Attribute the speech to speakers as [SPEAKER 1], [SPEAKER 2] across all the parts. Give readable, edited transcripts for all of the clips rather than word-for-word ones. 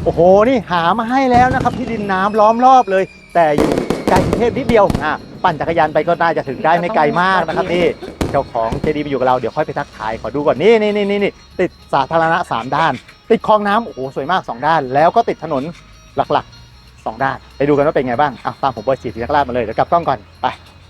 [SPEAKER 1] โอ้โหนี่หามาให้แล้วนะครับที่ดินน้ำล้อมรอบเลย แต่อยู่ไกลกรุงเทพนิดเดียวปั่นจักรยานไปก็น่าจะถึงได้ไม่ไกลมากนะครับนี่เจ้าของเจดีย์มาอยู่กับเราเดี๋ยวค่อยไปทักทายขอดูก่อนนี่ติดสาธารณะ3ด้านติดคลองน้ำโอ้โหสวยมาก2ด้านแล้วก็ติดถนนหลักๆ2ด้านไปดูกันว่าเป็นไงบ้างตามผมบอยสีธีรราชมาเลยเดี๋ยวกลับกล้องก่อนไป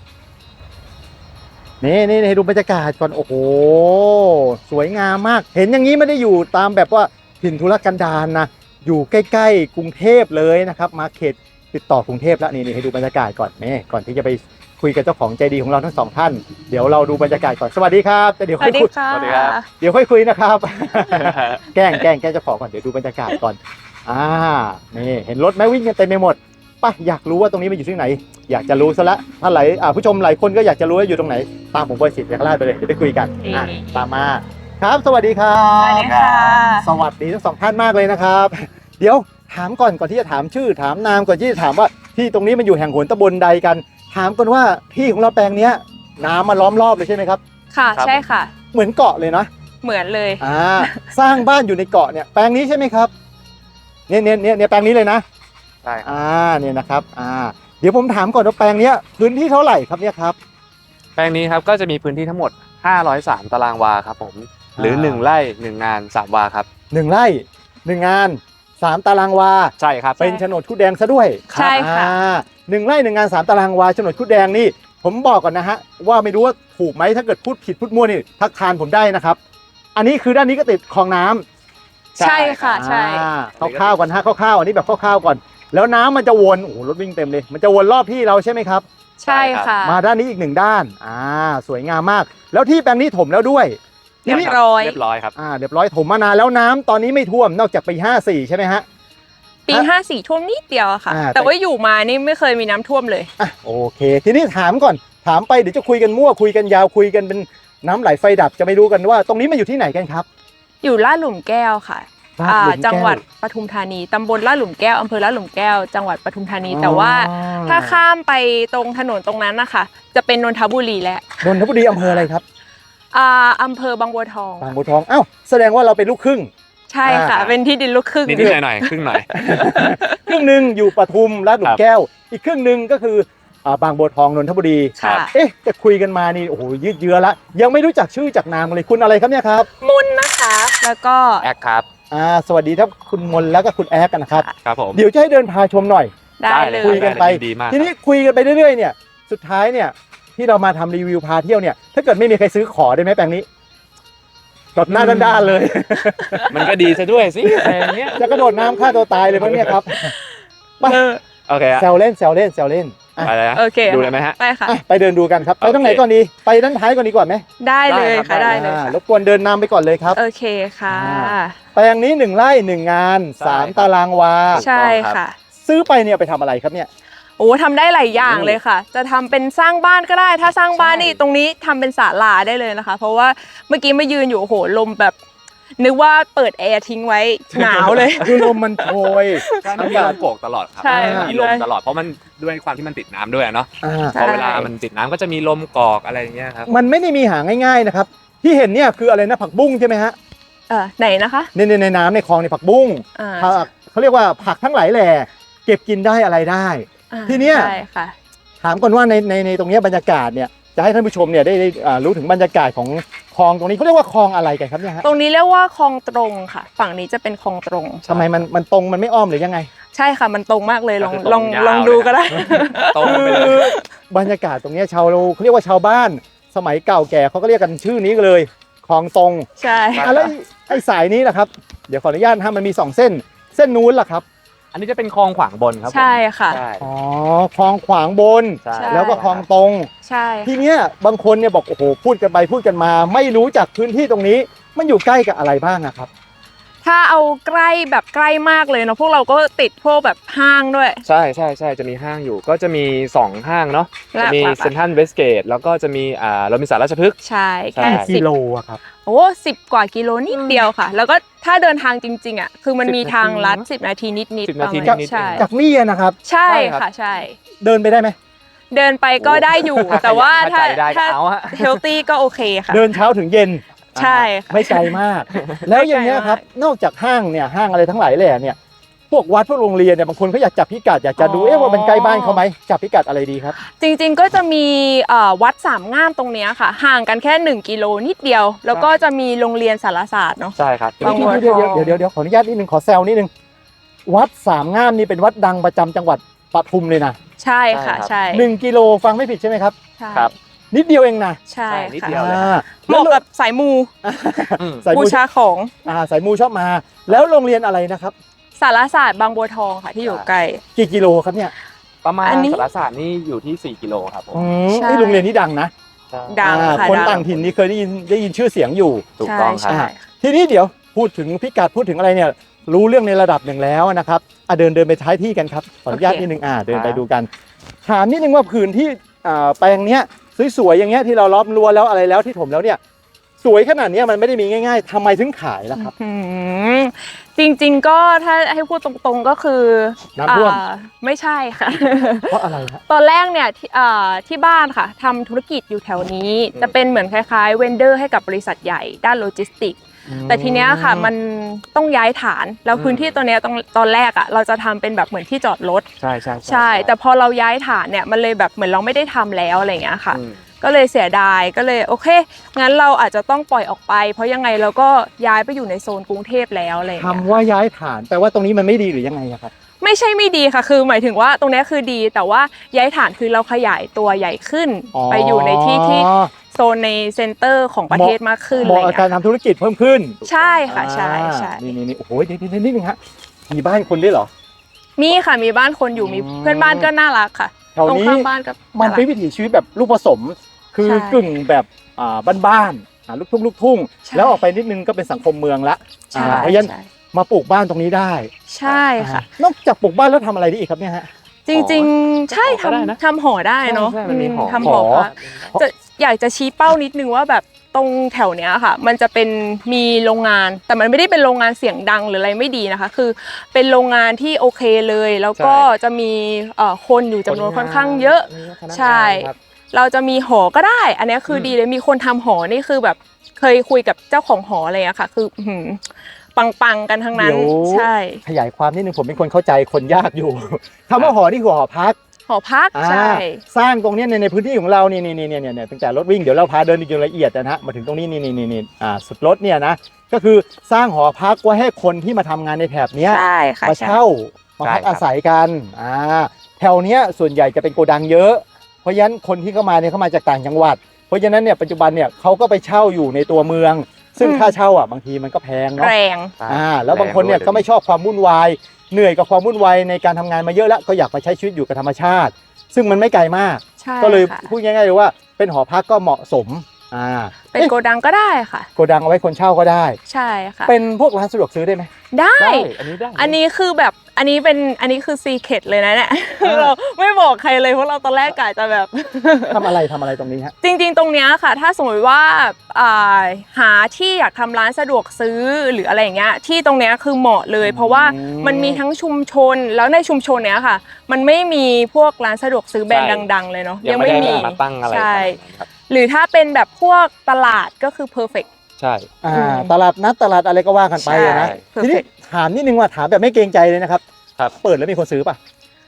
[SPEAKER 1] นี่ให้ดูบรรยากาศก่อนโอ้โหสวยงามมากเห็นอย่างนี้ไม่ได้อยู่ตามแบบว่าถิ่นทุรกันดารนะอยู่ใกล้ๆกรุงเทพเลยนะครับมาเขตติดต่อกรุงเทพแล้วนี่ให้ดูบรรยากาศก่อนก่อนที่จะไปคุยกับเจ้าของใจดีของเราทั้ง2ท่านเดี๋ยวเราดูบรรยากาศก่อนสวัสดีครับแต่เดี๋ยวค่อยคุย
[SPEAKER 2] สวัสดีครับ
[SPEAKER 1] เดี๋ยวค่อยคุยนะครับ แกล้งเจ้าของก่อนเดี๋ยวดูบรรยากาศก่อนนี่เห็นรถไหมวิ่งกันเต็มไปหมดป่ะอยากรู้ว่าตรงนี้มันอยู่ที่ไหนอยากจะรู้ซะละถ้าผู้ชมหลายคนก็อยากจะรู้ว่าอยู่ตรงไหนตามผมบอยสิทธิ์ยักษ์ราชไปเลยเดี๋ยวไปคุยกันตามมาครับสวัสดีครับ
[SPEAKER 2] สวัสดีค่ะ
[SPEAKER 1] สวัสดีทั้ง2ท่านมากเลยนะครับเดี๋ยวถามก่อนที่จะถามชื่อถามนามก่อนที่จะถามว่าที่ตรงนี้มันอยู่แห่งหนตำบลใดกันถามก่อนว่าที่ของเราแปลงเนี้ยน้ำมาล้อมรอบเลยใช่ไหมครับ
[SPEAKER 2] ค่ะใช่ค่ะ
[SPEAKER 1] เหมือนเกาะเลยนะ
[SPEAKER 2] เหมือนเลย
[SPEAKER 1] สร้างบ้านอยู่ในเกาะเนี่ยแปลงนี้ใช่ไหมครับเนี่ยแปลงนี้เลยนะ
[SPEAKER 3] ใช่
[SPEAKER 1] เนี่ยนะครับเดี๋ยวผมถามก่อนว่าแปลงนี้พื้นที่เท่าไหร่ครับเนี่ยครับ
[SPEAKER 3] แปลงนี้ครับก็จะมีพื้นที่ทั้งหมด503ตารางวาครับผมหรือ1ไร่1งาน3วาครับ
[SPEAKER 1] 1ไร่1งาน3ตารางวา
[SPEAKER 3] ใช่ครับ
[SPEAKER 1] เป็นโฉนดคุดแดงซะด้วย
[SPEAKER 2] ใช่ค่ะ
[SPEAKER 1] 1ไร่1งาน3ตารางวาโฉนดคุดแดงนี่ผมบอกก่อนนะฮะว่าไม่รู้ว่าถูกไหมถ้าเกิดพูดผิดพูดมั่วนี่ทักทานผมได้นะครับอันนี้คือด้านนี้ก็ติดคลองน้
[SPEAKER 2] ำใช่ค่ะใช่
[SPEAKER 1] คร่าวๆก่อนฮะคร่าวๆอันนี้แบบคร่าวๆก่อนแล้วน้ำมันจะวนโอ้โหรถวิ่งเต็มเลยมันจะวนรอบที่เราใช่ไหมครับ
[SPEAKER 2] ใช่ค่ะ
[SPEAKER 1] มาด้านนี้อีก1ด้านสวยงามมากแล้วที่แปลงนี้ถมแล้วด้วย
[SPEAKER 2] เรียบ
[SPEAKER 3] ร้อยครับ
[SPEAKER 1] เรียบร้อยถมมานานแล้วน้ำตอนนี้ไม่ท่วมนอกจากปี54ใช่ไหมฮะ
[SPEAKER 2] ปี54ท่วมนิดเดียวค่ะแต่ว่าอยู่มานี่ไม่เคยมีน้ำท่วมเลย
[SPEAKER 1] โอเคทีนี้ถามก่อนถามไปเดี๋ยวจะคุยกันมั่วคุยกันยาวคุยกันเป็นน้ำไหลไฟดับจะไม่รู้กันว่าตรงนี้มันอยู่ที่ไหนกันครับ
[SPEAKER 2] อยู่ลาดหลุมแก้วค่ะจังหวัดปทุมธานีตำบลลาดหลุมแก้วอำเภอลาดหลุมแก้วจังหวัดปทุมธานีแต่ว่าถ้าข้ามไปตรงถนนตรงนั้นนะคะจะเป็นนนทบุรีและ
[SPEAKER 1] นนทบุรีอำเภออะไรครับ
[SPEAKER 2] อำเภอบางบัวทอง
[SPEAKER 1] แสดงว่าเราเป็นลูกครึ่ง
[SPEAKER 2] ใช่ค่ะเป็นที่ดินลูกครึ่ง
[SPEAKER 3] นิดหน่อยครึ่งหน่อย
[SPEAKER 1] ครึ่งนึงอยู่ปทุมลาดหลุมแก้วอีกครึ่งนึงก็คือบางบัวทองนนทบุรีจะคุยกันมานี่โอ้โหยืดเยื้อละยังไม่รู้จักชื่อจากนามเลยคุณอะไรครับเนี่ยครับ
[SPEAKER 2] มนนะคะแล้วก็
[SPEAKER 3] แอคครับ
[SPEAKER 1] สวัสดีครับคุณมนแล้วก็คุณแอคกันนะครับ
[SPEAKER 3] ครับผม
[SPEAKER 1] เดี๋ยวจะให้เดินพาชมหน่อย
[SPEAKER 2] ได้เลย
[SPEAKER 1] คุยกันไปทีนี้คุยกันไปเรื่อยๆเนี่ยสุดท้ายเนี่ยที่เรามาทำรีวิวพาเที่ยวเนี่ยถ้าเกิดไม่มีใครซื้อขอได้ไหมแปลงนี้ตดหน้าด้านๆเลย
[SPEAKER 3] มันก็ดีซะด้วยสิอะไรเงี้ย
[SPEAKER 1] จะกระโดดน้ำฆ่าตัวตายเลยมั้งเนี่ยครับ
[SPEAKER 3] โอเค
[SPEAKER 1] แซวเล่น
[SPEAKER 3] ไปเลย
[SPEAKER 2] โอเค
[SPEAKER 3] ดูเลยไหมฮะ
[SPEAKER 2] ไปค่ะ
[SPEAKER 1] ไปเดินดูกันครับไปตรงไหนก่อนดีไปด้านท้ายก่อนดีกว่าไหม
[SPEAKER 2] ได้เลยค่ะได้เลย
[SPEAKER 1] รบกวนเดินนำไปก่อนเลยครับ
[SPEAKER 2] โอเคค่ะ
[SPEAKER 1] แปลงนี้1ไร่1งาน3ตารางวา
[SPEAKER 2] ใช่ค่ะ
[SPEAKER 1] ซื้อไปเนี่ยไปทำอะไรครับเนี่ย
[SPEAKER 2] โอ้ทำได้หลายอย่างเลยค่ะจะทำเป็นสร้างบ้านก็ได้ถ้าสร้างบ้านนี่ตรงนี้ทำเป็นศาลาได้เลยนะคะเพราะว่าเมื่อกี้มายืนอยู่โอ้โหลมแบบนึกว่าเปิดแอร์ทิ้งไว้หนาวเลย
[SPEAKER 1] คือลมมันโชย
[SPEAKER 3] มันมีลมโกกตลอดครับมีลมตลอดเพราะมันด้วยความที่มันติดน้ำด้วยเนาะพอเวลามันติดน้ำก็จะมีลมกอกอะไรอย่างเงี้ยครับ
[SPEAKER 1] มันไม่ได้มีหาง่ายๆนะครับที่เห็นเนี่ยคืออะไรนะผักบุ้งใช่ไหมฮะ
[SPEAKER 2] ไหนนะคะ
[SPEAKER 1] ในน้ำในคลองในผักบุ้งเขาเรียกว่าผักทั้งหลายแหล่เก็บกินได้อะไรได้ทีเนี้ยถามก่อนว่าในตรงนี้บรรยากาศเนี่ยจะให้ท่านผู้ชมเนี่ยได้รู้ถึงบรรยากาศของคลองตรงนี้เขาเรียกว่าคลองอะไรกันครับเนี่ยฮะ
[SPEAKER 2] ตรงนี้เรียกว่าคลองตรงค่ะฝั่งนี้จะเป็นคลองตรง
[SPEAKER 1] ทำไมมันตรงมันไม่อ้อมหรือยังไง
[SPEAKER 2] ใช่ค่ะมันตรงมากเลยลองดูก็ได้
[SPEAKER 1] คือบรรยากาศตรงนี้เขาเรียกว่าชาวบ้านสมัยเก่าแก่เขาก็เรียกกันชื่อนี้เลยคลองตรง
[SPEAKER 2] ใช่
[SPEAKER 1] แล้วไอ้สายนี้ล่ะครับเดี๋ยวขออนุญาตถ้ามันมี2เส้นนู้นล่ะครับ
[SPEAKER 3] อันนี้จะเป็นคลองขวางบนครับ
[SPEAKER 2] ใช่ค่ะ
[SPEAKER 1] คลองขวางบนแล้วก็คลองตรง
[SPEAKER 2] ใช่
[SPEAKER 1] ทีเนี้ยบางคนเนี่ยบอกโอ้โหพูดกันไปพูดกันมาไม่รู้จักพื้นที่ตรงนี้มันอยู่ใกล้กับอะไรบ้างครับ
[SPEAKER 2] ถ้าเอาใกล้แบบใกล้มากเลยเนาะพวกเราก็ติดพวกแบบห้างด้วย
[SPEAKER 3] ใช่จะมีห้างอยู่ก็จะมี2ห้างเนาะจะมีเซ็นทรัลเวสเกตแล้วก็จะมีโรบินสันราชพฤกษ์
[SPEAKER 2] ใช่แค่
[SPEAKER 1] กิโลครับ
[SPEAKER 2] โอ้10 กว่ากิโลนิดเดียวค่ะแล้วก็ถ้าเดินทางจริงๆคือมันมีทางลัด10 นาทีนิด
[SPEAKER 1] ใช่จากนี่นะครับ
[SPEAKER 2] ใช่ค่ะใช่
[SPEAKER 1] เดินไปได้ไหม
[SPEAKER 2] เดินไปก็ได้อยู่แต่ว่าถ้าเฮลตี้ก็โอเคค่ะ
[SPEAKER 1] เดินเช้าถึงเย็น
[SPEAKER 2] ใช่
[SPEAKER 1] ไม่ไกลมากแล้วอย่างเงี้ยครับนอกจากห้างอะไรทั้งหลายแหล่เนี่ยพวกวัดพวกโรงเรียนเนี่ยบางคนเขาอยากจับพิกัดอยากจะดูว่ามันใกล้บ้านเขาไหมจับพิกัดอะไรดีครับ
[SPEAKER 2] จริงๆก็จะมีวัดสามงามตรงเนี้ยค่ะ ห่างกันแค่1 กิโลนิดเดียว แล้วก็จะมีโรงเรียนสารศาสตร์เนาะ
[SPEAKER 3] ใช่ครับ
[SPEAKER 2] บางวัด
[SPEAKER 1] เดี๋ยวขออนุญาตนิดนึงขอแซวนิดนึงวัดสามงามนี่เป็นวัดดังประจำจังหวัดปทุมเลยนะ
[SPEAKER 2] ใช่ค่ะ
[SPEAKER 3] ใช่
[SPEAKER 2] ใช่
[SPEAKER 1] 1 กิโลฟังไม่ผิดใช่ไหมครับ
[SPEAKER 2] ใช่
[SPEAKER 3] ครับ
[SPEAKER 1] นิดเดียวเองนะ
[SPEAKER 2] ใช่
[SPEAKER 3] นิด
[SPEAKER 2] ค่ะ
[SPEAKER 3] เดียวเลย
[SPEAKER 2] เหมาะกับสายมู
[SPEAKER 1] สาย
[SPEAKER 2] บู
[SPEAKER 1] มู
[SPEAKER 2] ชาของ
[SPEAKER 1] สายมูชอบมา แล้วโรงเรียนอะไรนะครับ
[SPEAKER 2] สารศาสตร์บางบัวทองค่ะที่อยู่ใกล้
[SPEAKER 1] กี่กิโลครับเนี่ย
[SPEAKER 3] ประมาณ
[SPEAKER 2] อันนี้
[SPEAKER 3] สารศาสตร์นี่อยู่ที่4 กิโลครับผม
[SPEAKER 2] ใช่
[SPEAKER 1] นี่โรงเรียนนี้ดังนะ
[SPEAKER 3] ใช่
[SPEAKER 2] ดังค่ะ
[SPEAKER 1] คน
[SPEAKER 2] ดัง
[SPEAKER 1] ต่างถิ่นนี่เคยได้ยินชื่อเสียงอยู่
[SPEAKER 3] ถูกต้องครับ
[SPEAKER 2] ใช่
[SPEAKER 1] ทีนี้เดี๋ยวพูดถึงพิกัดพูดถึงอะไรเนี่ยรู้เรื่องในระดับหนึ่งแล้วนะครับเดินไปท้ายที่กันครับขออนุญาตนิดนึงเดินไปดูกันถามนิดนึงว่าผืนที่แปลงเนี้ยสวยๆอย่างเงี้ยที่เราล้อมรั้วแล้วอะไรแล้วที่ถมแล้วเนี่ยสวยขนาดเนี้ยมันไม่ได้มีง่ายๆทำไมถึงขายล่ะครับ
[SPEAKER 2] อืมจริงๆก็ถ้าให้พูดตรงๆก็คือ
[SPEAKER 1] น้ำท่วม
[SPEAKER 2] ไม่ใช่ค่ะ
[SPEAKER 1] เพราะอะไรฮะ
[SPEAKER 2] ตอนแรกเนี่ยที่บ้านค่ะทำธุรกิจอยู่แถวนี้ จะเป็นเหมือนคล้ายๆเวนเดอร์ให้กับบริษัทใหญ่ด้านโลจิสติกส์แต่ทีเนี้ยค่ะมันต้องย้ายฐานแล้วพื้นที่ตัวเนี้ยตอนแรกอ่ะเราจะทำเป็นแบบเหมือนที่จอดรถ
[SPEAKER 3] ใช่
[SPEAKER 2] ใช่ แต่พอเราย้ายฐานเนี่ยมันเลยแบบเหมือนเราไม่ได้ทำแล้วอะไรอย่างเงี้ยค่ะ ก็เลยเสียดายก็เลยโอเคงั้นเราอาจจะต้องปล่อยออกไป เพราะยังไงเราก็ย้ายไปอยู่ในโซนกรุงเทพแล้วอะไรอย่างเงี้ย
[SPEAKER 1] คำว่าย้ายฐานแปลว่าตรงนี้มันไม่ดีหรือยังไงอะครับ
[SPEAKER 2] ไม่ใช่ไม่ดีค่ะคือหมายถึงว่าตรงเนี้ยคือดีแต่ว่าย้ายฐานคือเราขยายตัวใหญ่ขึ้น ไปอยู่ในที่ที่โซนในเซ็นเตอร์ของประเทศมากขึ้น
[SPEAKER 1] เหมาะกับการ
[SPEAKER 2] อะไรเงี้ย
[SPEAKER 1] ทำธุรกิจเพิ่มขึ้น
[SPEAKER 2] ใช่ค่ะใช่ใช่
[SPEAKER 1] นี่โอ้โหเดี๋ยวนิดนึงฮะมีบ้านคนด้วยเหรอ
[SPEAKER 2] มีค่ะมีบ้านคนอยู่มีเพื่อนบ้านก็น่ารักค่ะ
[SPEAKER 1] แถว
[SPEAKER 2] ตรง
[SPEAKER 1] นี้
[SPEAKER 2] ข้ามบ้านก็
[SPEAKER 1] มัน
[SPEAKER 2] น่ารั
[SPEAKER 1] เป็น
[SPEAKER 2] ก
[SPEAKER 1] วิถีชีวิตแบบลูกผสม คือ
[SPEAKER 2] ใช่
[SPEAKER 1] กึ่งแบบบ้านๆลูกทุ่ง
[SPEAKER 2] ใช่
[SPEAKER 1] แล้วออกไปนิดนึงก็เป็นสังคมเมืองละ
[SPEAKER 2] ใช่
[SPEAKER 1] เพราะฉะนั้น
[SPEAKER 2] ใช่
[SPEAKER 1] มาปลูกบ้านตรงนี้ได้
[SPEAKER 2] ใช่ค่ะ
[SPEAKER 1] นอกจากปลูกบ้านแล้วทำอะไรได้อีกครับเนี่ยฮะ
[SPEAKER 2] จริงๆ ใช่
[SPEAKER 3] ก็ได้นะ
[SPEAKER 2] ทำหอได้เนาะ
[SPEAKER 3] ใช่มันมีหอ
[SPEAKER 2] ทำหอพระจะอยากจะชี้เป้านิดนึงว่าแบบตรงแถวเนี้ยค่ะ มันจะเป็นมีโรงงาน แต่มันไม่ได้เป็นโรงงานเสียงดังหรืออะไรไม่ดีนะคะ คือเป็นโรงงานที่โอเคเลย แล้วก็จะมีคนอยู่จำนวนค่อนข้างเยอะ ใช่ เราจะมีหอก็ได้ อันนี้คือดีเลยมีคนทำหอนี่คือแบบเคยคุยกับเจ้าของหออะไรอะค่ะ คือปังๆกันทั้งนั้น
[SPEAKER 1] เดี๋ยว
[SPEAKER 2] ใช่
[SPEAKER 1] ขยายความนิดนึงผมเป็นคนเข้าใจคนยากอยู่คำว่าหอนี่คือหอพัก
[SPEAKER 2] หอพักใช่
[SPEAKER 1] สร้างตรงเนี้ยในพื้นที่ของเรานี่ตั้งแต่รถวิ่งเดี๋ยวเราพาเดินดูละเอียดนะฮะมาถึงตรงนี้นี่สุดรถเนี่ยนะก็คือสร้างหอพักไว้ให้คนที่มาทำงานในแถบเนี้ย
[SPEAKER 2] ใช่ค่ะ
[SPEAKER 1] มา
[SPEAKER 2] ใช่
[SPEAKER 1] เช่ามาพักอาศัยกันแถวเนี้ยส่วนใหญ่จะเป็นโกดังเยอะ เพราะฉะนั้นคนที่เข้ามาเนี่ยเขามาจากต่างจังหวัด เพราะฉะนั้นเนี่ยปัจจุบันเนี่ยเขาก็ไปเช่าอยู่ในตัวเมือง ซึ่งค่าเช่าบางทีมันก็แพงเนาะ
[SPEAKER 2] แรง
[SPEAKER 1] แล้วบางคนเนี่ยก็ไม่ชอบความวุ่นวายเหนื่อยกับความวุ่นวายในการทำงานมาเยอะแล้วก็อยากไปใช้ชีวิตอยู่กับธรรมชาติ ซึ่งมันไม่ไกลมาก
[SPEAKER 2] ใช่
[SPEAKER 1] ก็เลย
[SPEAKER 2] ค่ะ
[SPEAKER 1] พูดง่ายๆเลยว่าเป็นหอพักก็เหมาะสม
[SPEAKER 2] เป็นโกดังก็ได้ค่ะ
[SPEAKER 1] โกดังเอาไว้คนเช่าก็ได้
[SPEAKER 2] ใช่ค่ะ
[SPEAKER 1] เป็นพวกร้านสะดวกซื้อได้ไหม
[SPEAKER 2] ได้
[SPEAKER 3] ได้อันนี้ได้
[SPEAKER 2] อันนี้คือแบบอันนี้คือซีเคร็ตเลยนะเนี่ยเราไม่บอกใครเลยเพราะเราตอนแรกกะจะแบบ
[SPEAKER 1] ทำอะไรตรงนี้ฮะ
[SPEAKER 2] จริงๆ ตรงเนี้ยค่ะ ถ้าสมมติว่าหาที่อยากทำร้านสะดวกซื้อหรืออะไรอย่างเงี้ยที่ตรงเนี้ยคือเหมาะเลย เพราะว่ามันมีทั้งชุมชนแล้วในชุมชนเนี้ยค่ะ มันไม่มีพวกร้านสะดวกซื้อแบรนด์ดัง ๆ เลยเนาะ
[SPEAKER 3] ยังไม่ได้มาตั้งอะไร
[SPEAKER 2] ใช่
[SPEAKER 3] ขนาดนั้นครับ
[SPEAKER 2] หรือถ้าเป็นแบบพวกตลาดก็คือ perfect
[SPEAKER 3] ใช่
[SPEAKER 1] ตลาดนัดตลาดอะไรก็ว่ากันไปนะ
[SPEAKER 2] ใช่
[SPEAKER 1] ทีนี้
[SPEAKER 2] perfect
[SPEAKER 1] ถามนิดนึงว่าถามแบบไม่เกรงใจเลยนะครับ
[SPEAKER 3] ครับ
[SPEAKER 1] เปิดแล้วมีคนซื้อป่ะ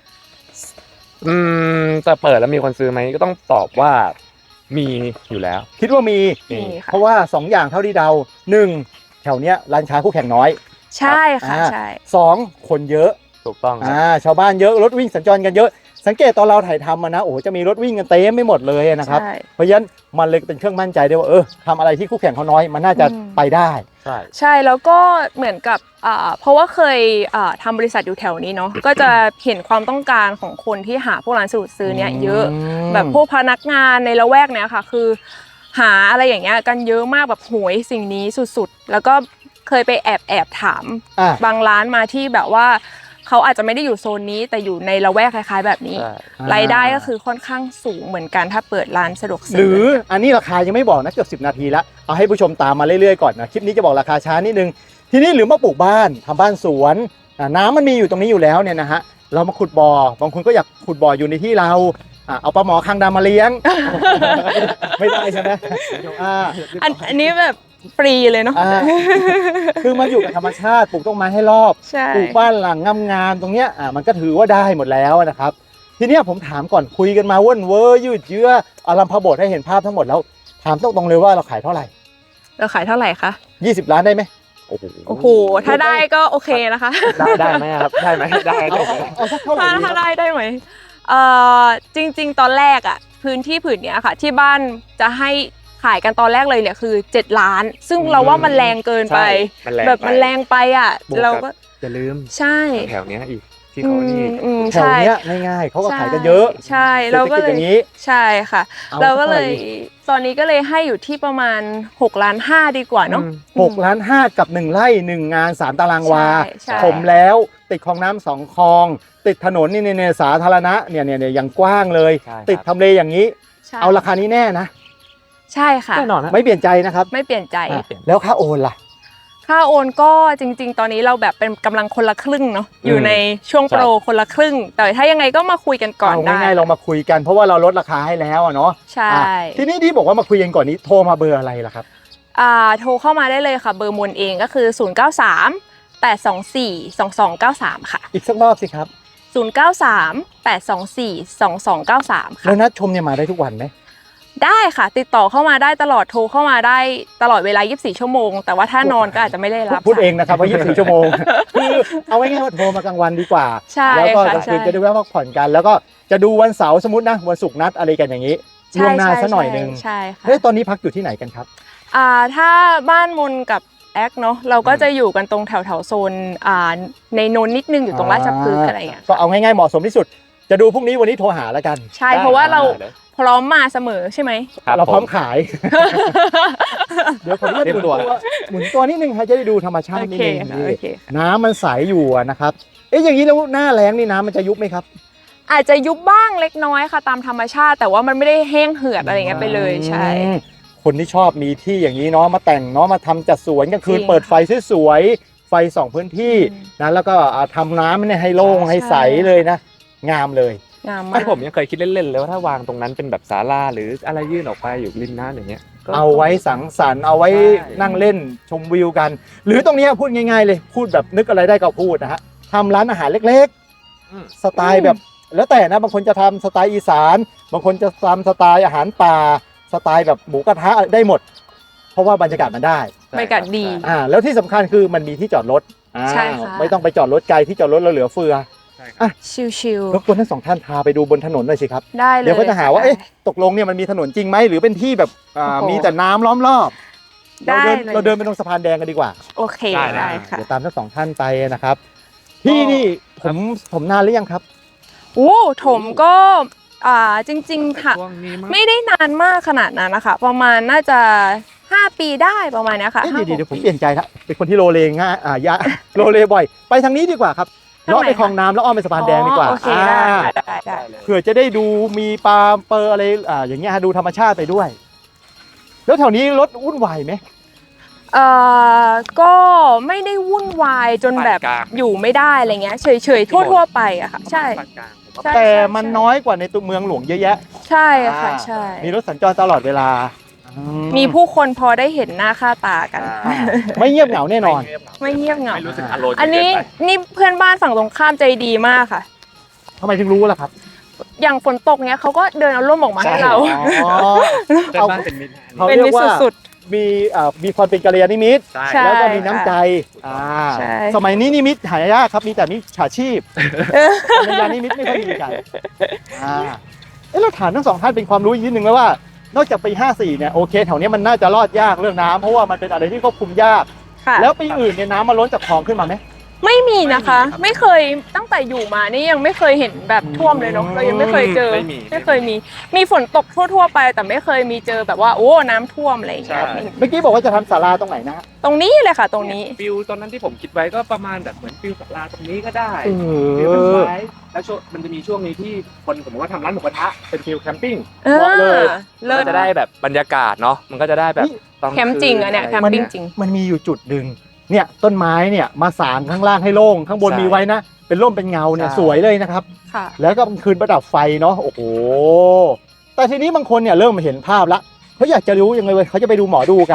[SPEAKER 3] จะเปิดแล้วมีคนซื้อไหมก็ต้องตอบว่ามีอยู่แล้ว
[SPEAKER 1] คิดว่ามี
[SPEAKER 2] มีค่ะ
[SPEAKER 1] เพราะว่า 2 อย่างเท่าที่เดา1แถวเนี้ยร้านค้าคู่แข่งน้อย
[SPEAKER 2] ใช่ค่ะใช่
[SPEAKER 1] 2คนเยอะ
[SPEAKER 3] ถูกต้องครับ
[SPEAKER 1] ชาวบ้านเยอะรถวิ่งสัญจรกันเยอะ สังเกตตอนเราถ่ายทำมานะโอ้โหจะมีรถวิ่งกันเต็มไม่หมดเลยนะครับ
[SPEAKER 2] ใช่
[SPEAKER 1] เพราะฉะนั้นมันเลยเป็นเครื่องมั่นใจได้ว่าทำอะไรที่คู่แข่งเขาน้อยมันน่าจะไปได้
[SPEAKER 3] ใช่
[SPEAKER 2] ใช่แล้วก็เหมือนกับเพราะว่าเคยทำบริษัทอยู่แถวนี้เนาะ ก็จะเห็นความต้องการของคนที่หาพวกร้านสะดวกซื้อเนี่ยเยอะ แบบพวกพนักงานในละแวกเนี้ยค่ะ คือหาอะไรอย่างเงี้ยกันเยอะมากแบบโหยสิ่งนี้สุดๆ แล้วก็เคยไปแอบถาม บางร้านมาที่แบบว่าเขาอาจจะไม่ได้อยู่โซนนี้แต่อยู่ในละแวกคล้ายๆ แบบนี้
[SPEAKER 3] ใช่
[SPEAKER 2] รายได้ก็คือค่อนข้างสูงเหมือนกันถ้าเปิดร้านสะดวก
[SPEAKER 1] ห
[SPEAKER 2] ซื้
[SPEAKER 1] รืออันนี้ราคายังไม่บอกนะเกือบ10 นาทีแล้วเอาให้ผู้ชมตามมาเรื่อยๆก่อนนะคลิปนี้จะบอกราคาช้านิดนึงทีนี้หรือมาปลูกบ้านทำบ้านสวนน้ำมันมีอยู่ตรงนี้อยู่แล้วเนี่ยนะฮะเรามาขุดบ่อบางคนก็อยากขุดบ่ออยู่ในที่เราเอาปลาหมอคางดำมาเลี้ยง ไม่ได้ใช่ไหม
[SPEAKER 2] อันนี้แบบฟรีเลยเนาะ
[SPEAKER 1] คือมันอยู่กับธรรมชาติปลูกต้นไม้ให้รอบ
[SPEAKER 2] ใช่
[SPEAKER 1] ปลูกบ้านหลังงามๆตรงเนี้ยมันก็ถือว่าได้หมดแล้วนะครับ ทีเนี้ยผมถามก่อนคุยกันมาว่นเวอร์ยืดเยื้ออารัมพบทให้เห็นภาพทั้งหมดแล้วถามตรงๆเลยว่าเราขายเท่าไหร่
[SPEAKER 2] เราขายเท่าไหร่คะ
[SPEAKER 1] 20 ล้านได้ไหมโอ้โห
[SPEAKER 2] โอ้โหถ้าได้ก็โอเคนะคะ
[SPEAKER 3] ได้ไหมครับได้ไหมได้
[SPEAKER 1] เอาสักเท่าไหร่ดีค
[SPEAKER 2] ถ้า
[SPEAKER 1] รับ
[SPEAKER 2] ได้ไหมจริงๆตอนแรกอ่ะพื้นที่ผืนเนี้ยค่ะ ที่บ้านจะให้ขายกันตอนแรกเลยเนี่ยคือ7 ล้าน ซึ่งเราว่ามันแรงเกินไป แบบมันแรงไปอ่ะเราก็
[SPEAKER 3] อย่าลืม
[SPEAKER 2] ใช่
[SPEAKER 3] แถวเนี้ยอีกที่เขานี่
[SPEAKER 1] แถวเนี้ยง่ายๆเขาก็ขายกันเยอะ
[SPEAKER 2] ใช่เราก็
[SPEAKER 1] เศรษฐกิจ
[SPEAKER 2] เล
[SPEAKER 1] อย ย่างนี้
[SPEAKER 2] ใช่ค่ะ
[SPEAKER 1] เอา
[SPEAKER 2] เราก็เลย
[SPEAKER 1] เท่าไหร่
[SPEAKER 2] ตอนนี้ก็เลยให้อยู่ที่ประมาณ6 ล้าน 5ดีกว่าเนาะ
[SPEAKER 1] 6 ล้าน 5กับ1 ไร่ 1 งาน 3 ตารางวา
[SPEAKER 2] ใช่
[SPEAKER 1] ผมแล้วติดคลองน้ำ2 คลอง ติดถนนนี่เนี่ยสาธารณะเนี่ยอย่างกว้างเลย
[SPEAKER 3] ใช่ครับ
[SPEAKER 1] ติดทำเลอย่างนี้
[SPEAKER 2] ใช่
[SPEAKER 1] เอาราคานี้แน่นะ
[SPEAKER 2] ใช่ค่ะ
[SPEAKER 3] แน่นอนฮะ
[SPEAKER 1] ไม่เปลี่ยนใจนะครับ
[SPEAKER 2] ไม่เปลี่ยนใจ
[SPEAKER 1] อ่ะแล้วค่าโอนล่ะ
[SPEAKER 2] ค่าโอนก็จริง ๆ ตอนนี้เราแบบเป็นกำลังคนละครึ่งเนาะอยู่ในช่วงโปรคนละครึ่ง แต่ถ้ายังไงก็มาคุยกันก่อน
[SPEAKER 1] เอา
[SPEAKER 2] ได้
[SPEAKER 1] ง่ายๆเรามาคุยกันเพราะว่าเราลดราคาให้แล้วอะเนาะ
[SPEAKER 2] ใช่
[SPEAKER 1] อ่ะทีนี้ที่บอกว่ามาคุยกันก่อนนี้โทรมาเบอร์อะไรล่ะครับ
[SPEAKER 2] โทรเข้ามาได้เลยค่ะเบอร์มนเองก็คือ 093 824 2293 ค่ะ
[SPEAKER 1] อีกสักรอบสิครับ
[SPEAKER 2] 093 824 2293 ค่ะ
[SPEAKER 1] แล้วนัดชมเนี่ยมาได้ทุกวันไหม
[SPEAKER 2] ได้ค่ะ ติดต่อเข้ามาได้ตลอดโทรเข้ามาได้ตลอดเวลา 24 ชั่วโมง แต่ว่าถ้านอนก็อาจจะไม่ได้รับ
[SPEAKER 1] พูดเองนะครับว่า 24 ชั่วโมง คือเอาไว้ง่ายๆว่าโทรมากลางวันดีกว่า
[SPEAKER 2] ใช่
[SPEAKER 1] แล้วก็
[SPEAKER 2] ค่ะ
[SPEAKER 1] กลางคืน
[SPEAKER 2] ใช่
[SPEAKER 1] จะได้แวะพักผ่อนกัน แล้วก็จะดูวันเสาร์สมมตินะวันศุกร์นัดอะไรกันอย่างนี้ล่วงหน้าซะหน่อยนึง
[SPEAKER 2] ใช่ค่ะ
[SPEAKER 1] เฮ้ยตอนนี้พักอยู่ที่ไหนกันครับ
[SPEAKER 2] ถ้าบ้านมนกับแอคเนาะเราก็จะอยู่กันตรงแถวๆโซนในนนท์นิดนึงอยู่ตรงราชพฤกษ์อะไรอย่างเงี้ย
[SPEAKER 1] ก็เอาง่ายๆเหมาะสมที่สุด จะดูพรุ่งนี้วันนี้โทรหาแล้วกัน
[SPEAKER 2] ใช่เพราะว่าเราพร้อมมาเสมอใช่ไหม
[SPEAKER 1] เราพร้อมขาย เดี๋ยวผมจะหมุนตัวนิดนึงให้จะได้ดูธรรมชาติ
[SPEAKER 2] โอ
[SPEAKER 1] นิด
[SPEAKER 2] เค
[SPEAKER 1] นึง
[SPEAKER 2] ค่ะ
[SPEAKER 1] นี่
[SPEAKER 2] โอเคค่ะ
[SPEAKER 1] น้ำมันใสอยู่อะนะครับเอ๊ะอย่างนี้แล้วหน้าแล้งนี่น้ำมันจะยุบไหมครับ
[SPEAKER 2] อาจจะยุบบ้างเล็กน้อยค่ะตามธรรมชาติ แต่ว่ามันไม่ได้แห้งเหือดอะไรอย่างเงี้ยไปเลยใช่
[SPEAKER 1] อืมคนที่ชอบมีที่อย่างนี้เนาะมาแต่งเนาะมาทำจัดสวนกลางคืน
[SPEAKER 2] จริง
[SPEAKER 1] เปิดไฟสวยๆไฟส่องพื้นที่
[SPEAKER 2] อืม
[SPEAKER 1] นะแล้วก็ทำน้ำเนี่ยให้โล่ง
[SPEAKER 2] ใช่
[SPEAKER 1] ให้ใสเลยนะ งามเลย
[SPEAKER 2] งามมา
[SPEAKER 3] ไม่
[SPEAKER 2] ก
[SPEAKER 3] ผมยังเคยคิดเล่นๆเลยว่าถ้าวางตรงนั้นเป็นแบบศาลาหรืออะไรยื่นออกไปอยู่ริมน้ำอย่างเงี้ยก็
[SPEAKER 1] เอาไว้สังสรรค์เอาไว้
[SPEAKER 3] ใช่
[SPEAKER 1] นั่งเล่นชมวิวกัน หรือตรงเนี้ยพูดง่ายๆเลยพูดแบบนึกอะไรได้ก็พูดนะฮะทำร้านอาหารเล็ก
[SPEAKER 3] อืม
[SPEAKER 1] ๆ สไตล์แบบแล้วแต่นะบางคนจะทำสไตล์อีสานบางคนจะทำสไตล์อาหารป่าสไตล์แบบหมูกระทะได้หมด เพราะว่าบรรยากาศมันได้
[SPEAKER 2] บรรยากาศดี
[SPEAKER 1] แล้วที่สำคัญคือมันมีที่จอดรถ
[SPEAKER 2] ใช่ค่ะ
[SPEAKER 1] ไม่ต้องไปจอดรถไกลที่จอดรถเราเหลือเฟือ
[SPEAKER 3] ใช่ครับ
[SPEAKER 2] ชิล
[SPEAKER 1] รบกวนทั้งสองท่านพาไปดูบนถนนหน่อยสิครับ
[SPEAKER 2] ๆได้เลย
[SPEAKER 1] เดี๋ยวก็จะหาว่า
[SPEAKER 2] ค่
[SPEAKER 1] เอ๊ะตกลงเนี่ยมันมีถนนจริงไหมหรือเป็นที่แบบ
[SPEAKER 2] โอ้โห
[SPEAKER 1] มีแต่น้ำล้อมรอบ
[SPEAKER 2] ได้
[SPEAKER 1] เราเดิน
[SPEAKER 2] เลย
[SPEAKER 1] ไปตรงสะพานแดงกันดีกว่า
[SPEAKER 2] โอเค
[SPEAKER 3] ได้
[SPEAKER 2] ได้ค่ะ
[SPEAKER 1] เดี๋ยวตามทั้งสองท่านไปนะครับพี่นี่ผมนานหรือยังครับ
[SPEAKER 2] โอ้ถมก็จริงๆค่ะ
[SPEAKER 3] ช่วงนี้มั้ง
[SPEAKER 2] ไม่ได้นานมากขนาดนั้นนะคะประมาณน่าจะ5 ปีได้ประมาณเนี้ยค่ะ
[SPEAKER 1] เอ๊ะ
[SPEAKER 2] ห้า
[SPEAKER 1] เดี๋ยว
[SPEAKER 2] หก
[SPEAKER 1] ผมเปลี่ยนใจละเป็นคนที่โลเลง่ายโลเลบ่อย ไปทางนี้ดีกว่าครับ
[SPEAKER 2] ทางไหน
[SPEAKER 1] เลาะไปคลองน้ำแล้วอ้อมไปสะพานแดงดีกว่า
[SPEAKER 2] อ๋อโอเคได้
[SPEAKER 1] เผื่อจะได้ดูมีปลาเปอร์อะไรอย่างเงี้ยฮะดูธรรมชาติไปด้วย แล้วแถวนี้รถวุ่นวายไหม
[SPEAKER 2] ก็ไม่ได้วุ่นวายจนแบบ
[SPEAKER 3] ปานกลาง
[SPEAKER 2] อยู่ไม่ได้อะไรเงี้ยเฉยๆทั่วๆไปอะค่ะใช่
[SPEAKER 3] ปานกลางผมว่า
[SPEAKER 2] ใช่
[SPEAKER 1] แต่มันน้อยกว่าในตัวเมืองหลวงเยอะแยะ
[SPEAKER 2] ใช่ค่ะใช่
[SPEAKER 1] มีรถสัญจรตลอดเวลา
[SPEAKER 2] มีผู้คนพอได้เห็นหน้าค่าตากัน
[SPEAKER 1] ไม่เงียบเหงาแน่นอน
[SPEAKER 2] ไม่เงียบเหงา
[SPEAKER 3] ไม่รู้สึกอารมณ์
[SPEAKER 2] อันนี้นี่เพื่อนบ้านฝั่งตรงข้ามใจดีมากค่ะ
[SPEAKER 1] ทำไมถึงรู้ล่ะครับ
[SPEAKER 2] อย่างฝนตกเนี้ยเขาก็เดินเอาร่มออกมาให้เรา
[SPEAKER 1] อ๋อ
[SPEAKER 3] เพื่อนบ้านเป็นมิตร
[SPEAKER 1] เขา
[SPEAKER 2] เป็น
[SPEAKER 1] เรีย
[SPEAKER 2] มิ
[SPEAKER 1] ก
[SPEAKER 2] ตร
[SPEAKER 1] ว่า
[SPEAKER 2] สุด
[SPEAKER 1] มีความเป็นกัลยาณมิตร
[SPEAKER 3] ใช่
[SPEAKER 2] ใช่
[SPEAKER 1] แล้วก็มีน้ำใจอ่า
[SPEAKER 2] ใช่
[SPEAKER 1] สมัยนี้นิมิตหายากครับมีแต่มิจฉาชีพกัลยาณมิตรไม่ค่อยมีกันเราถามทั้งสองท่านเป็นความรู้อีกนิดนึงแล้วว่านอกจากปี 54 เนี่ยโอเคแถวเนี้ยมันน่าจะรอดยากเรื่องน้ำเพราะว่ามันเป็นอะไรที่ควบคุมยาก
[SPEAKER 2] ๆค่ะ
[SPEAKER 1] แล้วปีอื่นเนี่ยน้ำมาล้นจากคลองขึ้นมาไหม
[SPEAKER 2] ไม่มีนะคะ ไม่เคยตั้งแต่อยู่มานี่ยังไม่เคยเห็นแบบท่วมเลยเนาะเรายังไม่เคยเจอ ไม่เคยมีฝนตกทั่วๆไป แต่ไม่เคยมีเจอแบบว่าโอ้น้ำท่วมอะไรอย่างเงี้ย
[SPEAKER 3] ใช่
[SPEAKER 1] เมื่อกี้บอกว่าจะทำศาลาตรงไหนนะฮะ
[SPEAKER 2] ตรงนี้เลยค่ะ ตรงนี้
[SPEAKER 3] ฟิลตอนนั้นที่ผมคิดไว้ก็ประมาณแบบเหมือนฟิลศาลาตรงนี้ก็ได้
[SPEAKER 1] เอ
[SPEAKER 3] ฟิลต้น
[SPEAKER 1] อ
[SPEAKER 3] ไม้แล้วช่วงมันจะมีช่วงนี้ที่คนผมว่าทำร้านหมูกระทะเป็นฟิลแคมปิ้ง
[SPEAKER 1] เหมาะเลย
[SPEAKER 2] เลิ
[SPEAKER 3] ก็
[SPEAKER 2] ศ
[SPEAKER 3] จะได้แบบบรรยากาศเนาะมันก็จะได้แบบ
[SPEAKER 1] นี่
[SPEAKER 3] ตอน
[SPEAKER 2] แคมป์จริงอะเนี่ย
[SPEAKER 3] คื
[SPEAKER 2] แคมปิ้งจริง
[SPEAKER 1] มันมีอยู่จุดหนึ่งเนี่ยต้นไม้เนี่ยมาสางข้างล่างให้โล่งข้างบนมีไว้นะ เป็นร่มเป็นเงาเนี่ยสวยเลยนะครับ
[SPEAKER 2] ค่ะ
[SPEAKER 1] แล้วก็คืนประดับไฟเนาะโอ้โหแต่ทีนี้บางคนเนี่ยเริ่มเห็นภาพละเขาอยากจะรู้ยังไงเว้ยเขาจะไปดูหมอดูกัน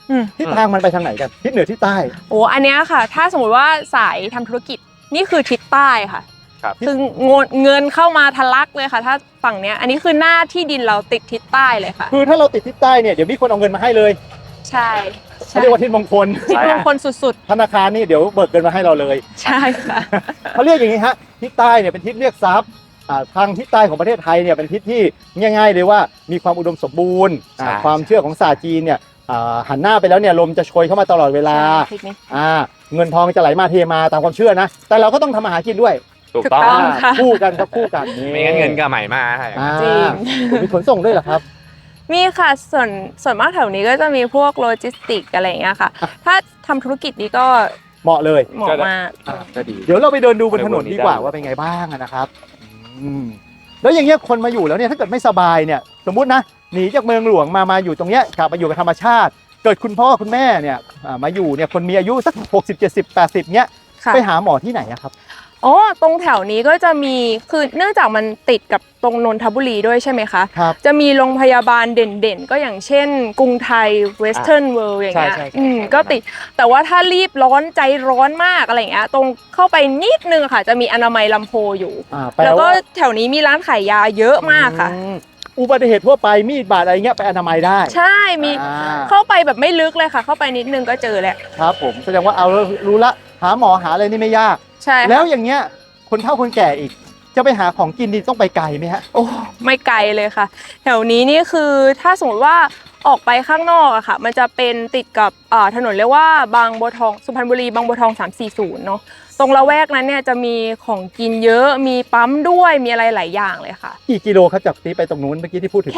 [SPEAKER 2] อืม
[SPEAKER 1] ทิศทางมันไปทางไหนกันทิศเหนือทิศใต้
[SPEAKER 2] โอ้อันเนี้ยค่ะ ถ้าสมมติว่าสายทำธุรกิจนี่คือทิศใต้ค่ะ
[SPEAKER 3] ครับ
[SPEAKER 2] คือเงินเข้ามาทะลักเลยค่ะ ถ้าฝั่งเนี้ยอันนี้คือหน้าที่ดินเราติดทิศใต้เลยค่ะ
[SPEAKER 1] คือถ้าเราติดทิศใต้เนี่ยเดี๋ยวมีคนเอาเงินมาให้เลย
[SPEAKER 2] ใช่
[SPEAKER 1] เขาเรียกว่าทิศมงคล
[SPEAKER 2] ทิศมงคลสุด
[SPEAKER 1] ธนาคารนี่เดี๋ยวเบิกเงินมาให้เราเลย
[SPEAKER 2] ๆ ใช่ค่ะ
[SPEAKER 1] เขาเรียกอย่างนี้ฮะทิศใต้เนี่ยเป็นทิศเรียกทรัพย์ทางทิศใต้ของประเทศไทยเนี่ยเป็นทิศที่ง่ายๆเลยว่ามีความอุดมสมบูรณ์
[SPEAKER 3] ใช่
[SPEAKER 1] ความเชื่อของศาสตร์จีนเนี่ยหันหน้าไปแล้วเนี่ยลมจะโชยเข้ามาตลอดเวลา
[SPEAKER 2] ใช่ทิศนี้
[SPEAKER 1] เงินทองจะไหลมาเทมาตามความเชื่อนะ แต่เราก็ต้องทำมาหากินด้วย
[SPEAKER 3] ถูก
[SPEAKER 2] ถูก
[SPEAKER 3] ต้อง
[SPEAKER 2] ต้องค่ะ
[SPEAKER 1] คู่กันครับคู่กันนี่
[SPEAKER 3] ไม่งั้นเงินก็ไหลมาให้
[SPEAKER 2] จริง
[SPEAKER 1] มีขนส่งด้วยเหรอครับ
[SPEAKER 2] มีค่ะส่วนมากแถวนี้ก็จะมีพวกโลจิสติกอะไรอย่างเงี้ยค่ะ ถ้าทำธุรกิจนี้ก็
[SPEAKER 1] เหมาะเลย
[SPEAKER 2] เหมาะมาก
[SPEAKER 3] ก็ดี
[SPEAKER 1] เดี๋ยวเราไปเดินดูบนถนนดีกว่า
[SPEAKER 3] ได้
[SPEAKER 1] ว่าเป็นไงบ้างนะครับแล้วอย่างเงี้ยคนมาอยู่แล้วเนี่ยถ้าเกิดไม่สบายเนี่ยสมมุตินะหนีจากเมืองหลวงมาอยู่ตรงเนี้ยกลับมาอยู่กับธรรมชาติ เกิดคุณพ่อคุณแม่เนี่ยมาอยู่เนี่ยคนมีอายุสัก60 70 80เนี้ย
[SPEAKER 2] ค่ะ
[SPEAKER 1] ไปหาหมอที่ไหนอะครับ
[SPEAKER 2] อ๋อตรงแถวนี้ก็จะมีคือเนื่องจากมันติดกับตรงนนทบุรีด้วยใช่ไหมคะ
[SPEAKER 1] ครับ
[SPEAKER 2] จะมีโรงพยาบาลเด่นๆ ก็อย่างเช่น กรุงไทยเวสเทิร์นเวิลด์อย่างเงี้ย
[SPEAKER 3] ใช่
[SPEAKER 2] ก็ติดแต่ว่าถ้ารีบร้อนใจร้อนมากอะไรอย่างเงี้ยตรงเข้าไปนิดนึงค่ะ จะมีอนามัยลำโพอยู่
[SPEAKER 1] แปล
[SPEAKER 2] แล้วก็
[SPEAKER 1] ว่า
[SPEAKER 2] แถวนี้มีร้านขายยาเยอะมากค่ะ
[SPEAKER 1] อุบัติเหตุทั่วไปมีดบาดอะไรเงี้ยไปอนามัยได้
[SPEAKER 2] ใช่มี
[SPEAKER 1] อ่า
[SPEAKER 2] เข้าไปแบบไม่ลึกเลยค่ะ เข้าไปนิดนึงก็เจอแล้ว
[SPEAKER 1] ครับผมแสดงว่าเอารู้ละหาหมอหาอะไรนี่ไม่ยาก
[SPEAKER 2] ใช่ค่ะ
[SPEAKER 1] แล้วอย่างเงี้ยคนเฒ่าคนแก่อีก จะไปหาของกินดีต้องไปไกลไหมฮะ
[SPEAKER 2] โอ้ไม่ไกลเลยค่ะ แถวนี้นี่คือถ้าสมมติว่าออกไปข้างนอกอะค่ะ มันจะเป็นติดกับถนนเรียกว่าบางบัวทองสุพรรณบุรีบางบัวทอง340เนาะตรงละแวกนั้นเนี่ยจะมีของกินเยอะมีปั๊มด้วยมีอะไรหลายอย่างเลยค่ะ
[SPEAKER 1] กี่กิโลครับจากนี้ไปตรงนู้นเมื่อกี้ที่พูดถึง
[SPEAKER 2] แค่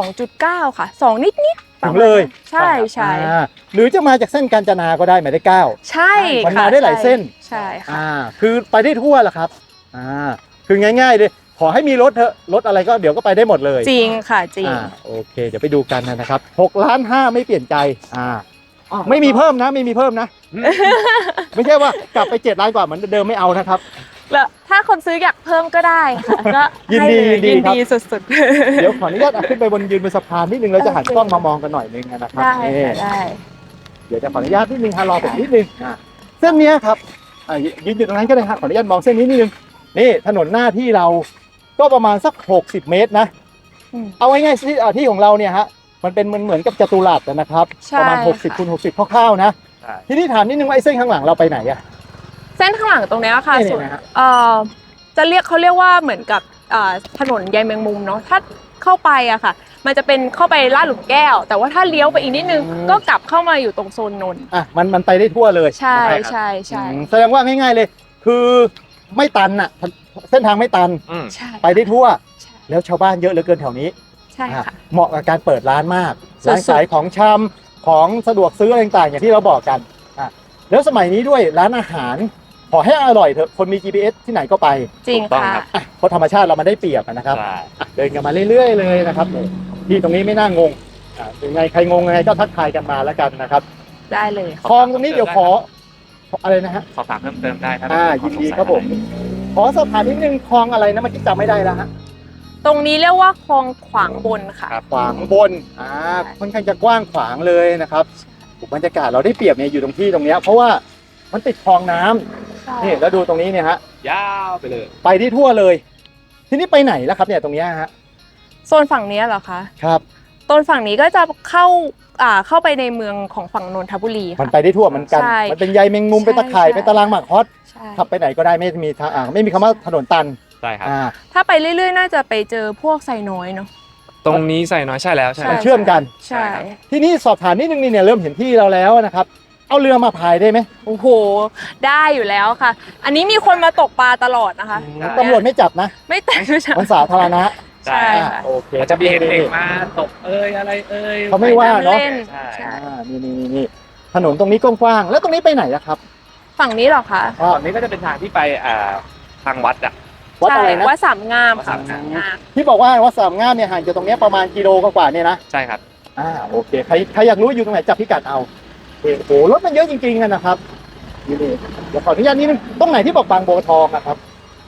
[SPEAKER 2] 2.9 ค่ะ 2 นิดๆ
[SPEAKER 1] ถึงเลย
[SPEAKER 2] ใช่ใช่
[SPEAKER 1] หรือจะมาจากเส้นกาญจนาก็ได้หมายเลข 9
[SPEAKER 2] ใช่
[SPEAKER 1] มัน
[SPEAKER 2] ค่ะ
[SPEAKER 1] มาได้หลายเส้น
[SPEAKER 2] ใช่ค่ะ
[SPEAKER 1] คือไปได้ทั่วแหละครับคือง่ายๆเลยขอให้มีรถเถอะรถอะไรก็เดี๋ยวก็ไปได้หมดเลย
[SPEAKER 2] จริงค่ะจริง
[SPEAKER 1] โอเค เดี๋ยวไปดูกันนะครับ6.5 ล้านไม่เปลี่ยนใจไม่มีเพิ่มนะไม่มีเพิ่มนะ ไม่ใช่ว่ากลับไป7 ล้านกว่าเหมือนเดิมไม่เอานะครับ
[SPEAKER 2] แล้วถ้าคนซื้ออยากเพิ่มก็ได้ค่ะก็
[SPEAKER 1] ยินดี
[SPEAKER 2] ให้เล
[SPEAKER 1] ยินดีครับ
[SPEAKER 2] ยินดีสุด
[SPEAKER 1] เดี๋ยวขออนุญาตขึ้นไปยืนบนสะพานนิดนึงแล้วจะหันกล้องมามองกันหน่อยนึงนะครับ
[SPEAKER 2] ได้
[SPEAKER 1] นี่
[SPEAKER 2] ค่ะได้
[SPEAKER 1] เดี๋ยวจะขออนุญาตนิดนึงฮะรอผมนิดนึงเส้นเนี้ยครับยืนอยู่ตรงนั้นก็ได้ครับขออนุญาตมองเส้นนี้นิดนึงนี่ถนนหน้าที่เราก็ประมาณสัก60 เมตรนะ
[SPEAKER 2] อืม
[SPEAKER 1] เอาง่ายๆที่ของเราเนี่ยฮะมันเป็นเหมือนกับจัตุรัสนะครับ
[SPEAKER 2] ใช่
[SPEAKER 1] ประมาณ60 คูณ 60คร่าวๆนะ
[SPEAKER 3] ใช่
[SPEAKER 1] ทีนี้ถามนิดนึงว่าไอ้เส้นข้างหลังเราไปไหนอะ
[SPEAKER 2] เส้นข้างหลังตรงเนี้ยค่ะ
[SPEAKER 1] นี่
[SPEAKER 2] ส่วน
[SPEAKER 1] นะฮะ
[SPEAKER 2] จะเรียกว่าเหมือนกับถนนใยแมงมุมเนาะถ้าเข้าไปอะค่ะ มันจะเป็นเข้าไปลาดหลุมแก้ว แต่ว่าถ้าเลี้ยวไปอีกนิดนึงก็กลับเข้ามาอยู่ตรงโซนนนท์
[SPEAKER 1] มันไปได้ทั่วเลย
[SPEAKER 2] ใช่
[SPEAKER 1] นะครับ
[SPEAKER 2] ใช่ใช่
[SPEAKER 1] แสดงว่าง่ายๆเลย คือไม่ตันอะเส้นทางไม่ตัน
[SPEAKER 2] ใช่
[SPEAKER 1] ไปได้ทั่ว
[SPEAKER 2] ใช่
[SPEAKER 1] แล้วชาวบ้านเยอะเหลือเกินแถวนี้
[SPEAKER 2] ใช่ค่ะ
[SPEAKER 1] เหมาะกับการเปิดร้านมาก
[SPEAKER 2] สุดๆ
[SPEAKER 1] ร้านขายของชำของสะดวกซื้ออะไรต่างๆอย่างที่เราบอกกันแล้วสมัยนี้ด้วยร้านอาหารขอให้อร่อยเถอะคนมี GPS ที่ไหนก็ไป
[SPEAKER 2] จริง
[SPEAKER 3] ถูกต้อง
[SPEAKER 2] ค่ะ
[SPEAKER 3] ครับ
[SPEAKER 1] เพราะธรรมชาติเรามันได้เปรียบนะครับ
[SPEAKER 3] ใช่
[SPEAKER 1] เดินกันมาเรื่อยๆเลยนะครับที่ตรงนี้ไม่น่างงยังไงใครงงยังไงก็ทักทายกันมาแล้วกันนะครับ
[SPEAKER 2] ได้เลย
[SPEAKER 1] คลองตรงนี้เดี๋ยวขออะไรนะฮะ
[SPEAKER 3] สอบถามเพิ่มเติมได้ถ้า
[SPEAKER 1] ยินดีครับผมขอสอบถามนิดนึงคลองอะไรนะเมื่อกี้จำไม่ได้แล้วฮะ
[SPEAKER 2] ตรงนี้เรียกว่าคลองขวางบนค่ะ
[SPEAKER 1] ขวางบนค่อนข้างจะกว้างขวางเลยนะครับบรรยากาศเราได้เปรียบเนี่ยอยู่ตรงที่ตรงเนี้ยเพราะว่ามันติดคลองน้ำนี่แล้วดูตรงนี้เนี่ยฮะ
[SPEAKER 3] ยาวไปเลย
[SPEAKER 1] ไปที่ทั่วเลย ทีนี้ไปไหนแล้วครับเนี่ยตรงเนี้ยฮะ
[SPEAKER 2] โซนฝั่งนี้เหรอคะ
[SPEAKER 1] ครับ
[SPEAKER 2] โซนฝั่งนี้ก็จะเข้าไปในเมืองของฝั่งนนทบุรี
[SPEAKER 1] มัน
[SPEAKER 2] ค่ะ
[SPEAKER 1] ไปได้ทั่วเหมือนกัน
[SPEAKER 2] ใช่
[SPEAKER 1] มันเป็นใยแมงมุม
[SPEAKER 2] ใช่
[SPEAKER 1] เป็นตะข่าย
[SPEAKER 2] ใช่
[SPEAKER 1] เป็นตารางหมากฮอต
[SPEAKER 2] ใช่
[SPEAKER 1] ขับไปไหนก็ได้ไม่มีทางไม่มีคำว่าถนนตัน
[SPEAKER 3] ใช่ครับ
[SPEAKER 2] ถ้าไปเรื่อยๆ น่าจะไปเจอพวกไซน้อยเนาะ
[SPEAKER 3] ตรงนี้ใส่น้อยใช่แล้วใช่
[SPEAKER 1] มันเชื่อมกัน
[SPEAKER 2] ใช่
[SPEAKER 1] ที่นี่สอบถามนิดนึงนี่เนี่ยเริ่มเห็นที่เราแล้วนะครับเอาเรือมาพายได้ไหม
[SPEAKER 2] โอ้โหได้อยู่แล้วค่ะ อันนี้มีคนมาตกปลาตลอดนะคะ
[SPEAKER 1] ตำรวจไม่จับนะ
[SPEAKER 2] ไม่แต่ไม่ใช่
[SPEAKER 1] มันสาธารณะ
[SPEAKER 2] ใช่ค่ะ
[SPEAKER 1] โอเค
[SPEAKER 3] มันจะมีเด็กมาตกอะไรย
[SPEAKER 1] เขาไม่ว่าเนาะ
[SPEAKER 2] ล่น
[SPEAKER 3] ใช่
[SPEAKER 2] ใช่
[SPEAKER 1] นี่ถนนตรงนี้กว้างๆแล้วตรงนี้ไปไหนอะครับ
[SPEAKER 2] ฝั่งนี้เหรอคะ
[SPEAKER 3] ตรงนี้ก็จะเป็นทางที่ไปทางวัดอ่ะ
[SPEAKER 1] วัดอะไรนะ
[SPEAKER 2] ใช่วัดสามงาม
[SPEAKER 3] วัด
[SPEAKER 2] ค่ะ
[SPEAKER 3] สามงาม
[SPEAKER 1] ที่บอกว่าวัดสามงามเนี่ยห่างจากตรงเนี้ยประมาณกิโลกว่าๆเนี่ยนะ
[SPEAKER 3] ใช่ครับ
[SPEAKER 1] โอเคใครอยากรู้อยู่ตรงไหนจับพิกัดเอาโอ้โหรถมันเยอะจริงๆนะครับนี่เดี๋ยวขออนุญาตนิดนึงตรงไหนที่บอกบางบัวทองนะครับ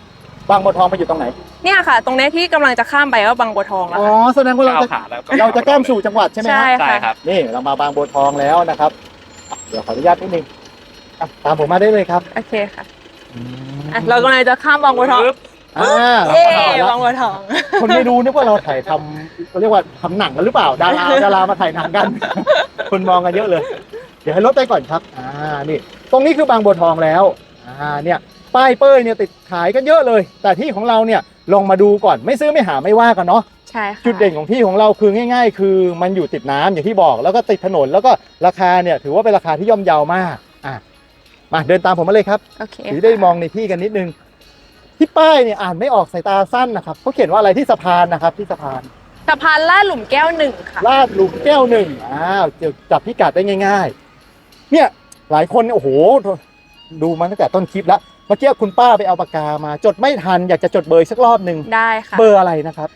[SPEAKER 1] บางบัวทองไปอยู่ตรงไหน
[SPEAKER 2] เนี่ยค่ะ ตรงนี้ที่กำลังจะข้ามไปก็บางบัวทองแล้ว
[SPEAKER 1] อ๋อ
[SPEAKER 2] ค่ะ
[SPEAKER 1] แสดงว่าเรา
[SPEAKER 3] ก้าว
[SPEAKER 1] จะ
[SPEAKER 3] ขาแล้วก็
[SPEAKER 1] เราจะแก้มสู่จังหวัดใช่ไหม
[SPEAKER 2] ใช่
[SPEAKER 1] ฮะ
[SPEAKER 3] ใช่ครับ
[SPEAKER 1] นี่เรามาบางบัวทองแล้วนะครับอ่ะเดี๋ยวขออนุญาตนิดนึงอ่ะตามผมมาได้เลยครับ
[SPEAKER 2] โอเคค่ะอ่ะเรากำลังจะข้ามบางบัวทอง
[SPEAKER 1] อ่า
[SPEAKER 2] เอ๊
[SPEAKER 1] แล้ว
[SPEAKER 2] บางบัวทอง
[SPEAKER 1] คนไม่รู้นึกว่าเราถ่ายทำเขาเรียกว่าทำหนังกันหรือเปล่า ดารามาถ่ายหนังกัน คนมองกันเยอะเลย เดี๋ยวให้รถไปก่อนครับ นี่ ตรงนี้คือบางบัวทองแล้ว เนี่ย ป้ายเป้ยเนี่ยติดขายกันเยอะเลย แต่ที่ของเราเนี่ยลองมาดูก่อน ไม่ซื้อไม่หาไม่ว่ากันเนาะ
[SPEAKER 2] ใช่ค่ะ
[SPEAKER 1] จุดเด่นของที่ของเราคือง่าย ๆ คือมันอยู่ติดน้ำอย่างที่บอก แล้วก็ติดถนน แล้วก็ราคาเนี่ยถือว่าเป็นราคาที่ย่อมเยาวมาก มาเดินตามผมมาเลยครับ
[SPEAKER 2] โอเค
[SPEAKER 1] ถือได้มองในที่กันนิดนึง ที่ป้ายเนี่ยอ่านไม่ออกสายตาสั้นนะครับเขาเขียนว่าอะไรที่สะพานนะครับที่สะพาน
[SPEAKER 2] สะพานลาดหลุมแก้วหนึ่งค่ะ
[SPEAKER 1] ลาดหลุมแก้วหนึ่งจับพิกัดได้ง่าย ๆ เนี่ยหลายคนโอ้โหดูมาตั้งแต่ต้นคลิปแล้วเมื่อกี้คุณป้าไปเอาปากกามาจดไม่ทันอยากจะจดเบอร์สักรอบหนึ่ง
[SPEAKER 2] ได้ค่ะ
[SPEAKER 1] เบอร์อะไรนะครับ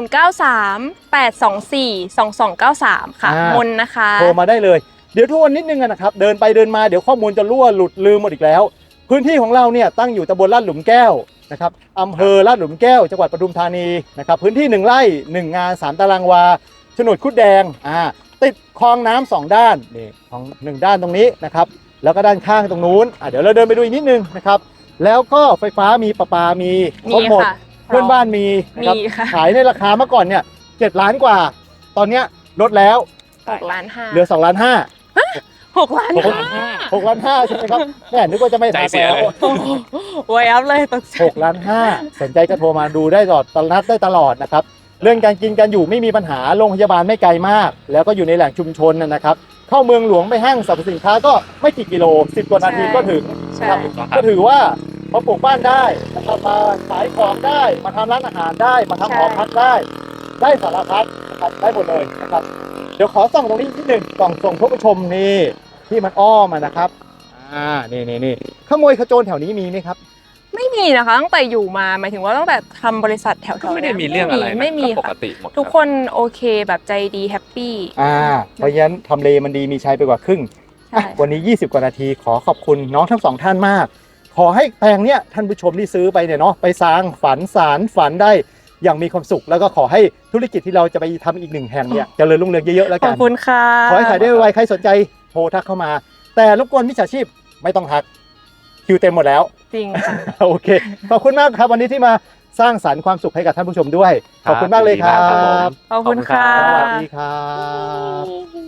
[SPEAKER 2] 093-824-2293 ค่ะ
[SPEAKER 1] อ่าม
[SPEAKER 2] นนะคะ
[SPEAKER 1] โทรมาได้เลย เดี๋ยวทวนนิดนึงนะครับเดินไปเดินมาเดี๋ยวข้อมูลจะรั่วหลุดลืมหมดอีกแล้ว พื้นที่ของเราเนี่ยตั้งอยู่ตำบลลาดหลุมแก้วนะครับอำเภอลาดหลุมแก้วจังหวัดปทุมธานีนะครับพื้นที่1 ไร่ 1 งาน 3 ตารางวาโฉนดคุดแดงติดคลองน้ำ2 ด้านนี่ของ1 ด้านตรงนี้นะครับแล้วก็ด้านข้างตรงนู้นเดี๋ยวเราเดินไปดูอีกนิดนึงนะครับแล้วก็ไฟฟ้ามีประปามีครบหมด
[SPEAKER 2] ค่ะ
[SPEAKER 1] เพื่อนบ้านมีนะครับ
[SPEAKER 2] มีค่ะ
[SPEAKER 1] ขายในราคาเมื่อก่อนเนี่ย7 ล้านกว่า ตอนเนี้ยลดแล้ว
[SPEAKER 2] 6 ล้าน
[SPEAKER 1] เหลือ2 ล้าน 5
[SPEAKER 2] 6 ล้าน
[SPEAKER 1] 6 ล้าน 5ใช่ไหมครับแม่นึกว่าจะไม่
[SPEAKER 3] ใจ
[SPEAKER 1] ทัก
[SPEAKER 3] เสีย
[SPEAKER 1] แล้ว
[SPEAKER 3] เลย
[SPEAKER 2] ไว้อัพเลยตกใจ
[SPEAKER 1] 6 ล้าน 5สนใจก็โทรมาดูได้ตลอดได้ตลอดนะครับเรื่องการกินการอยู่ไม่มีปัญหาโรงพยาบาลไม่ไกลมาก แล้วก็อยู่ในแหล่งชุมชนนะครับเข้าเมืองหลวงไปห้างสรรพสินค้าก็ไม่กี่กิโล10 กว่านาทีก็ถึง
[SPEAKER 2] ใช่
[SPEAKER 1] นะครับก็ถือว่ามาปลูกบ้านได้นะครับมาขายของได้มาทำร้านอาหารได้มาทำหอพักได้สารพัดนะครับได้หมดเลยนะครับเดี๋ยวขอส่องตรงนี้นิดหนึ่งกล่องส่งผู้ชมนี่ที่มันอ้อมนะครับนี่ขโมยขโจรแถวนี้มีไหมครับ
[SPEAKER 2] ไม่มีนะคะตั้งแต่อยู่มาหมายถึงว่าตั้งแต่ทำบริษัทแถว
[SPEAKER 3] ก็
[SPEAKER 2] ๆ
[SPEAKER 3] ไม่ได้
[SPEAKER 2] นี้
[SPEAKER 3] มีเรื่องอะไรนะ
[SPEAKER 2] ไม่มี
[SPEAKER 3] ก็ปก
[SPEAKER 2] ค่ะ
[SPEAKER 3] ติหมด
[SPEAKER 2] ทุกคนโอเคแบบใจดีแฮปปี้
[SPEAKER 1] เพราะฉะนั้นทำเลมันดีมีชัยไปกว่าครึ่ง
[SPEAKER 2] ใช่
[SPEAKER 1] วันนี้ 20 กว่านาทีขอขอบคุณน้องทั้ง 2 ท่านมาก ขอให้แปลงเนี้ยท่านผู้ชมที่ซื้อไปเนี่ยเนาะไปสร้างฝันสารฝันได้อย่างมีความสุข แล้วก็ขอให้ธุรกิจที่เราจะไปทำอีก1 แห่งเนี่ยเจริญรุ่งเรืองเยอะๆแล้ว
[SPEAKER 2] ข
[SPEAKER 1] กั
[SPEAKER 2] อน บคุณค่ะ
[SPEAKER 1] ขอให้ขายได้ไวๆใครสนใจโทรทักเข้ามา แต่รบกวนมิจฉาชีพไม่ต้องทักคิวเต็มหมดแล้ว
[SPEAKER 2] จริงค่ะ
[SPEAKER 1] โอเคขอบคุณมากครับวันนี้ที่มาสร้างสรรค์ความสุขให้กับท่านผู้ชมด้วยขอบคุณมากเลยครับ
[SPEAKER 2] ขอบคุณค่ะ
[SPEAKER 1] สวัสดีครับ